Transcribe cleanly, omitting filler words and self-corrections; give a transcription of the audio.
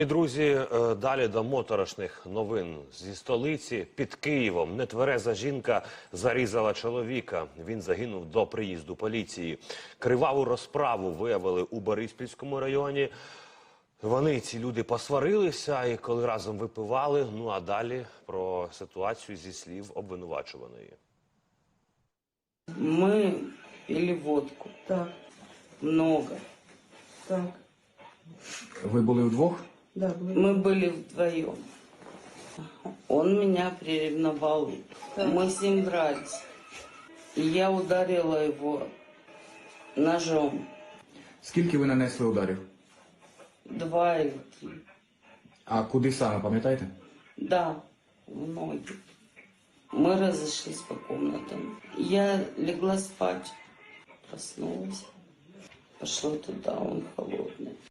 І, друзі, далі до моторошних новин зі столиці. Під Києвом нетвереза жінка зарізала чоловіка. Він загинув до приїзду поліції. Криваву розправу виявили у Бориспільському районі. Ці люди, посварилися і коли разом випивали. Ну а далі про ситуацію зі слів обвинувачуваної. Мы пили водку. Так, Много. так, Ви були вдвох? да, были. Мы были вдвоем. Он меня приревновал. Так. Мы с ним дрались. И я ударила его ножом. Скільки ви нанесли ударів? 2 или 3. А куди саме, пам'ятаєте? Да, в ноги. Мы разошлись по комнатам. Я легла спать. Проснулась. Пошла туда, он холодный.